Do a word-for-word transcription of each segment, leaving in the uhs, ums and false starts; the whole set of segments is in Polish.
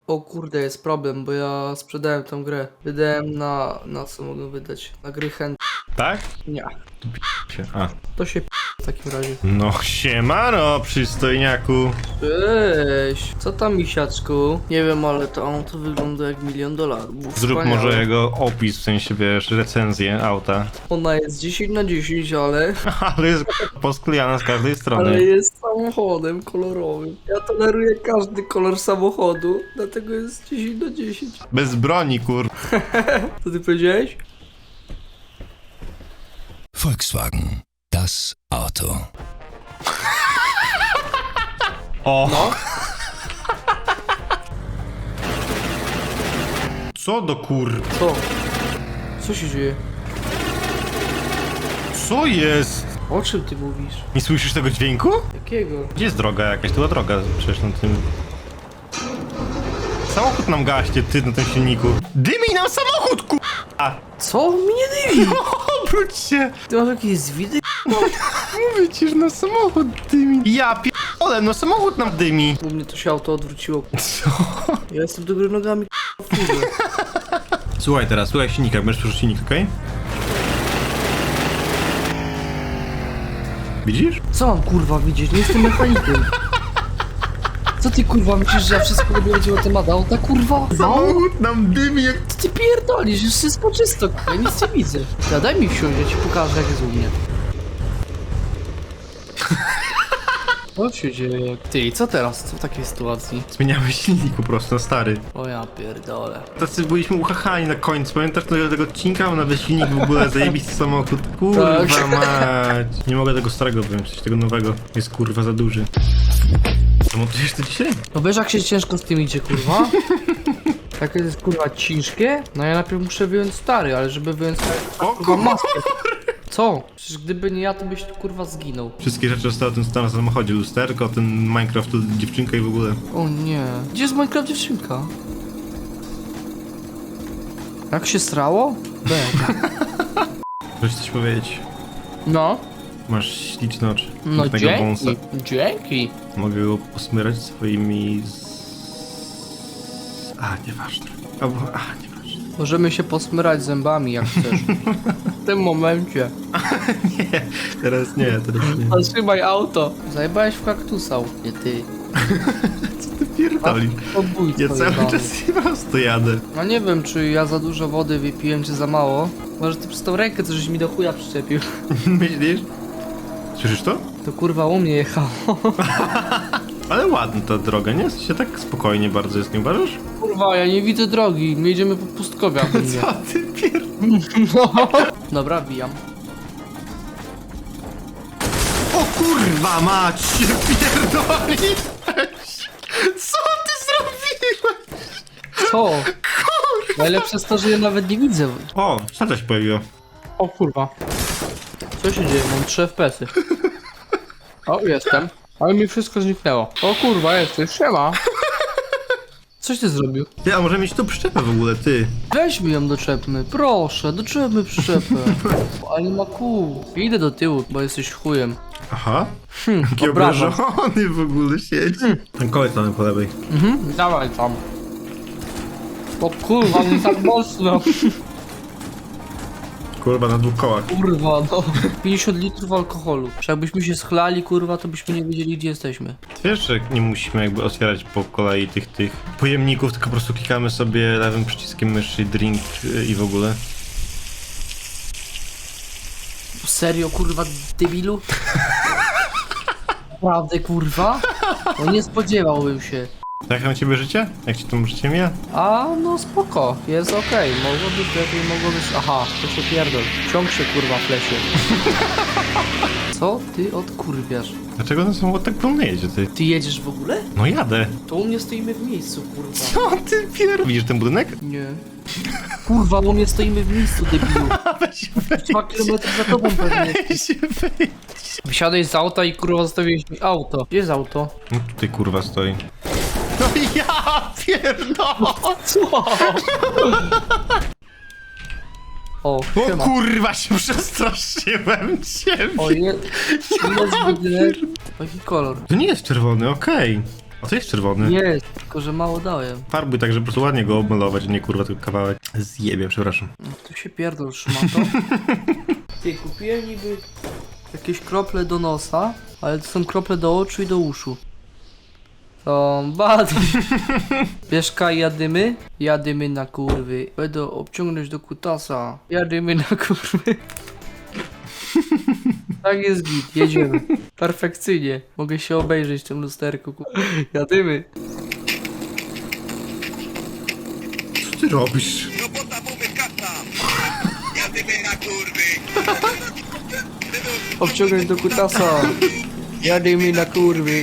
O kurde, jest problem, bo ja sprzedałem tą grę. Wydałem na... na co mogę wydać? Na gry chęt... Tak? Nie. Się. A. To się p... w takim razie. No siemano, przystojniaku. Cześć! Co tam, misiaczku? Nie wiem, ale to auto wygląda jak milion dolarów. Zrób Wspaniałe. może jego opis, w sensie wiesz, recenzję auta. Ona jest dziesięć na dziesięć, ale... Ale jest posklejana z każdej strony. Ale jest samochodem kolorowym. Ja toleruję każdy kolor samochodu, dlatego jest dziesięć na dziesięć. Bez broni, kur... Co ty powiedziałeś? Volkswagen, das Auto. O! No. Co do kur... Co? Co się dzieje? Co jest? O czym ty mówisz? Nie słyszysz tego dźwięku? Jakiego? Gdzie jest droga jakaś? Tu była droga przecież na tym... Samochód nam gaśnie, ty na tym silniku. Dymi nam samochód, ku... A, Co? Mi nie dymi! obróć się! Ty masz jakieś zwidy? Mówię ci, że na samochód dymi. Ja pierdolę, no samochód nam dymi. U mnie to się auto odwróciło. Co? Ja jestem do góry nogami w furze. Słuchaj teraz, słuchaj silnika, będziesz słyszeć silnik, okej? Widzisz? Co mam kurwa widzieć? Nie jestem mechanikiem. Co ty kurwa myślisz, że ja wszystko robię będzie na temat auta kurwa? No? Samochód nam dymi jak... Co ty pierdolisz? Już wszystko czysto, kurwa, ja nic nie widzę. Ja daj mi wsiąść, ja ci pokażę jak jest u mnie. Co się dzieje? Ty, co teraz? Co w takiej sytuacji? Zmieniamy silnik po prostu na stary. O ja pierdolę. Tacy byliśmy uchachani na końcu, pamiętasz tego, tego odcinka? Nowy silnik w ogóle, zajebisty samochód. Kurwa Tak. mać. Nie mogę tego starego wziąć, coś tego nowego. Jest kurwa za duży. Zamontujesz to dzisiaj? No wiesz jak się ciężko z tym idzie, kurwa? Jak to jest kurwa ciężkie? No ja najpierw muszę wyjąć stary, ale żeby wyjąć O kurwa maskę. Co? Przecież gdyby nie ja, to byś kurwa zginął. Wszystkie rzeczy zostały ten stan na samochodzie, lusterko, ten Minecraft, tu dziewczynka i w ogóle. O nie. Gdzie jest Minecraft dziewczynka? Jak się strało? B. Chcesz coś powiedzieć? No. Masz śliczne oczy. No pięknego wąsa. dzięki. Dzięki. Mogę go posmyrać swoimi... Z... A, nieważne. Albo... A, nieważne. Możemy się posmyrać zębami jak chcesz. W tym momencie. Nie, teraz nie, teraz nie. Zatrzymaj auto. Zajebałeś w kaktusa, nie ty. Co ty pierdolisz? Podbójstwo Ja cały jebane. czas prosto jadę. No nie wiem, czy ja za dużo wody wypiłem, czy za mało. Może ty przez tą rękę coś mi do chuja przyczepił. Myślisz? Słyszysz to? To kurwa u mnie jechało. Ale ładna ta droga, nie? W sensie tak spokojnie bardzo jest, nie uważasz? Kurwa, ja nie widzę drogi. My jedziemy po pustkowiach. Co ty pier... No. Dobra, bijam. O kurwa mać się pierdoli! Co ty zrobiłeś? Co? Najlepsze jest to, że ja nawet nie widzę. O, co się pojawiło? O kurwa. Co się dzieje? Mam trzy F P S-y. O, jestem. Ale mi wszystko zniknęło. O kurwa, jesteś. Siema. Coś ty zrobił? Ty, a może mieć tu przyczepę w ogóle, ty? Weźmy ją doczepmy, proszę, doczepmy przyczepę. Ale nie ma kół. Idę do tyłu, bo jesteś chujem. Aha. Hm, Jaki obrażam. obrażony w ogóle siedzi. Ten koleś tam po lewej. Mhm, dawaj tam. O kurwa, nie tak mocno. Kurwa, na dwóch kołach. Kurwa, no. pięćdziesiąt litrów alkoholu. Czy jakbyśmy się schlali, kurwa, to byśmy nie wiedzieli, gdzie jesteśmy. Wiesz, że nie musimy jakby otwierać po kolei tych tych pojemników, tylko po prostu klikamy sobie lewym przyciskiem myszy drink y, i w ogóle. Serio, kurwa, debilu? Naprawdę, kurwa? No nie spodziewałbym się. Jak tam ciebie życie? Jak ci tam życie mija? A, no spoko, jest okej. Mogło być lepiej, mogło być... Aha, to się pierdol. Ciąg się, kurwa, flesie. Co ty odkurwiasz? Dlaczego ten samochód tak wolno jedzie, ty? Ty jedziesz w ogóle? No jadę. To u mnie stoimy w miejscu, kurwa. Co ty pier... Widzisz ten budynek? Nie. Kurwa, u mnie stoimy w miejscu, debilu. Weź, weź, Dwa kilometry za tobą pewnie. weź, weź. Wysiadaj z auta i kurwa zostawiłeś mi auto. Gdzie jest auto? No tutaj kurwa stoi. No ja pierdolę! Co? O, O siema. kurwa się przestraszyłem ciebie! O, je... jest budynek. Jaki kolor? To nie jest czerwony, okej. A to jest czerwony. Jest, tylko że mało dałem. Farbuj tak, żeby po prostu ładnie go obmalować, a nie kurwa tylko kawałek. Zjebie, przepraszam. No, tu się pierdol szmato. Ty, kupiłem niby jakieś krople do nosa, ale to są krople do oczu i do uszu. To bad. Wiesz kaj, jadymy? Jadymy na kurwy. Będę obciągnąć do kutasa. Jadymy na kurwy. Tak jest git, jedziemy. Perfekcyjnie. Mogę się obejrzeć w tym lusterku. ku- Jadymy. Co ty robisz? Robota bumy kasa! Jadymy na kurwy! Obciągnąć do kutasa. Jadymy na kurwy.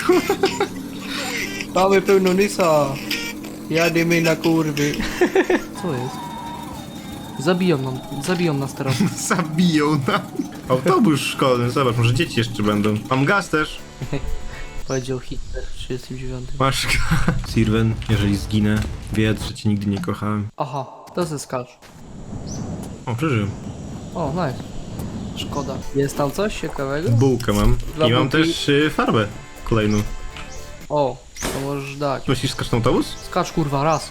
Mamy pełno nysa. Jadymy na kurwy. Co jest? Zabiją nam, zabiją nas teraz. Zabiją nam. Autobus szkolny, zobacz, może dzieci jeszcze będą. Mam gaz też. Powiedział Hitler w trzydziestym dziewiątym. Masz gaz. Sirwen, jeżeli zginę, wiedz, że cię nigdy nie kochałem. Aha, to ze skacz. O, przeżyłem. O, nice. Szkoda. Jest tam coś ciekawego? Bułkę mam. Dla I mam bułki- też y, farbę kolejną. O, to możesz dać. Myślisz, skacz na autobus? Skacz kurwa, raz.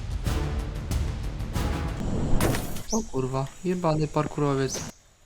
O kurwa, jebany parkurowiec.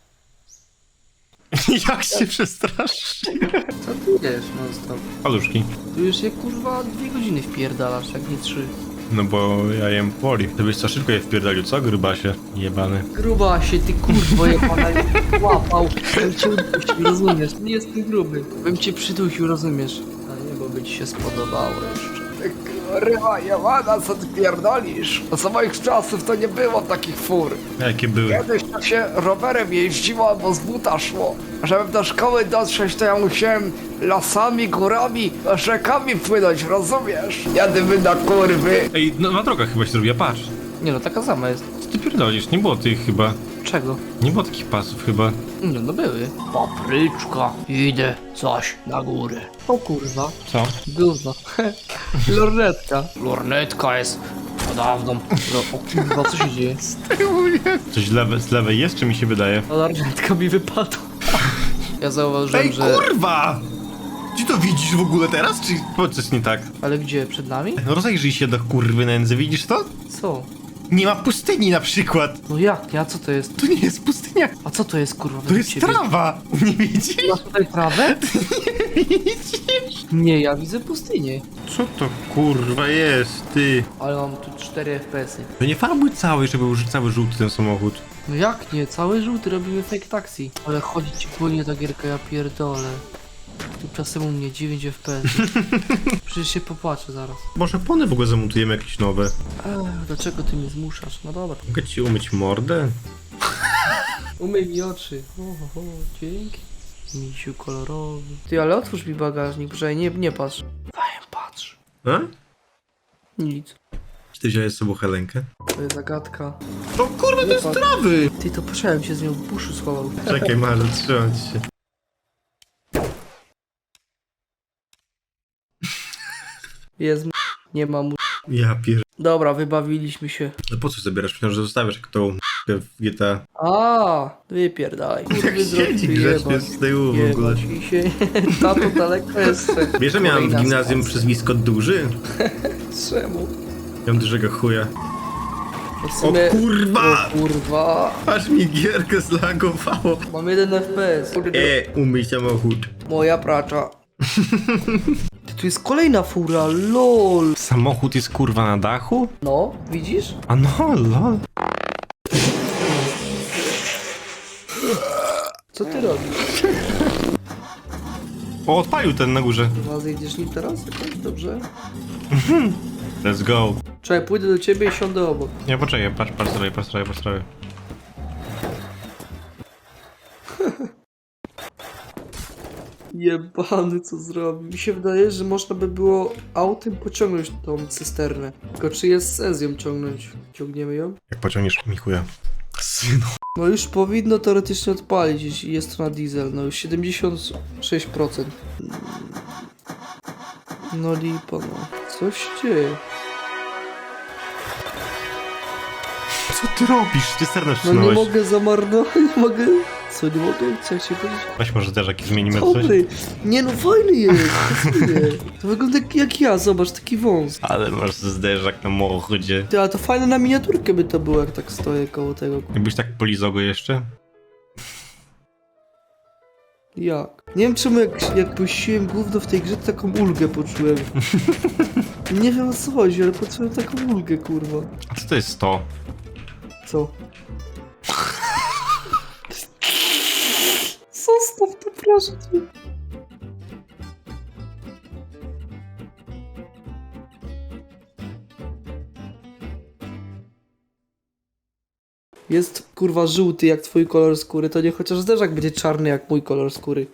Jak się przestrasz? Co ty wiesz, non stop? Paluszki. Tu już je kurwa dwie godziny wpierdalasz, jak nie trzy. No bo ja jem poli. To byś co szybko je wpierdolił, co grubasie? Jebany. Gruba się, ty kurwo jebana, łapał. Bym cię udusił, rozumiesz? Nie jestem gruby. Bym cię przydusił, rozumiesz? A nie, bo by ci się spodobało jeszcze. Rywa Jałana, co ty pierdolisz? No za moich czasów to nie było takich fur. Jakie były? Kiedyś to się rowerem jeździło albo z buta szło. Żeby do szkoły dotrzeć, to ja musiałem lasami, górami, rzekami płynąć, rozumiesz? Jadymy na kurwy. Ej, nowa droga chyba się zrobiła, patrz. Nie no, taka sama jest. Co ty pierdolisz? Nie było tych chyba. Czego? Nie było takich pasów chyba. No, no były. Papryczka, idę coś na górę. O kurwa, Co? gówno. Lornetka. Lornetka jest podobną. No, o kurwa, co się dzieje? Coś lewe, z lewej jest, czy mi się wydaje? A lornetka mi wypadła. Ja zauważyłem, że... kurwa! Czy to widzisz w ogóle teraz, czy powiedz coś nie tak? Ale gdzie? Przed nami? No rozejrzyj się do kurwy nędzy, widzisz to? Co? Nie ma pustyni na przykład. No jak? A co to jest? To nie jest pustynia, A co to jest kurwa? to według jest ciebie? trawa. Nie widzisz? Masz tutaj trawę? Widzisz? Nie, ja widzę pustynię. Co to kurwa jest, ty? Ale mam tu cztery F P S y. To nie farbuj cały, żeby był cały żółty ten samochód. No jak nie? Cały żółty, robimy fake taxi. Ale chodzi ci płynie ta gierka, ja pierdolę. Tymczasem u mnie dziewięć F P S. Przecież się popłaczę zaraz. Może pony w ogóle zamontujemy jakieś nowe. Ech, dlaczego ty mnie zmuszasz? No dobra. Mogę ci umyć mordę? Umyj mi oczy. O, o, o, dzięki. Misiu kolorowy. Ty, ale otwórz mi bagażnik, proszę, nie, nie patrz. Fajem, patrz. A? Nic. Czy ty wziąłeś z sobą Helenkę? To jest zagadka. O kurwa, to jest patrz. trawy! Ty, to poszedłem się z nią w buszu schował. Czekaj, Marze, trzymam ci się. Jest m- nie ma mu. Ja pier... Dobra, wybawiliśmy się. No po co zabierasz? Myślałem, że zostawiasz jak tą w G T A. A, wypierdalaj. Kurwy Siedzi grzecznie z tyłu w ogóle. Jebać i się. Tato daleko jeszcze. Wiesz, że miałem w Kolejna gimnazjum stacja. przezwisko duży? Czemu? Miałem dużego chuja. No w O sumie... kurwa! O kurwa. Aż mi gierkę zlagowało. Mam jeden F P S. E, umyj samochód. Moja pracza. Ty, tu jest kolejna fura, lol. Samochód jest kurwa na dachu? No, widzisz? A no, lol. Co ty robisz? O, odpalił ten na górze. Chyba zejdziesz nim teraz? Jakoś dobrze? Let's go. Czekaj, pójdę do ciebie i siądę obok. Nie, poczekaj, patrz, patrz sobie, patrz sobie, patrz sobie. Jebany, co zrobił. Mi się wydaje, że można by było autem pociągnąć tą cysternę. Tylko czy jest sens ją ciągnąć? Ciągniemy ją? Jak pociągniesz mi chuja. Synu. No już powinno teoretycznie odpalić, jeśli jest to na diesel. No już siedemdziesiąt sześć procent. No lipa, no. Coś się dzieje. Co ty robisz? Ty sternę No nie wsunąłeś. mogę zamarnować, nie mogę Co, nie mogę? Co jak się powiedzieć? Weź może też jakiś zmienimy coś. Dobry. Nie no, fajny jest. Pasuje. To wygląda jak, jak ja, zobacz, taki wąs. Ale masz zderzak na mochodzie. Ty, a to fajne na miniaturkę by to było, jak tak stoję koło tego. Jakbyś tak polizał go jeszcze? Jak? Nie wiem czemu jak, jak puściłem gówno w tej grze, to taką ulgę poczułem. Nie wiem o co chodzi, ale poczułem taką ulgę, kurwa. A co to jest to? Co? Zostaw to, proszę cię. Jest kurwa żółty jak twój kolor skóry, to nie chociaż zderzak będzie czarny jak mój kolor skóry.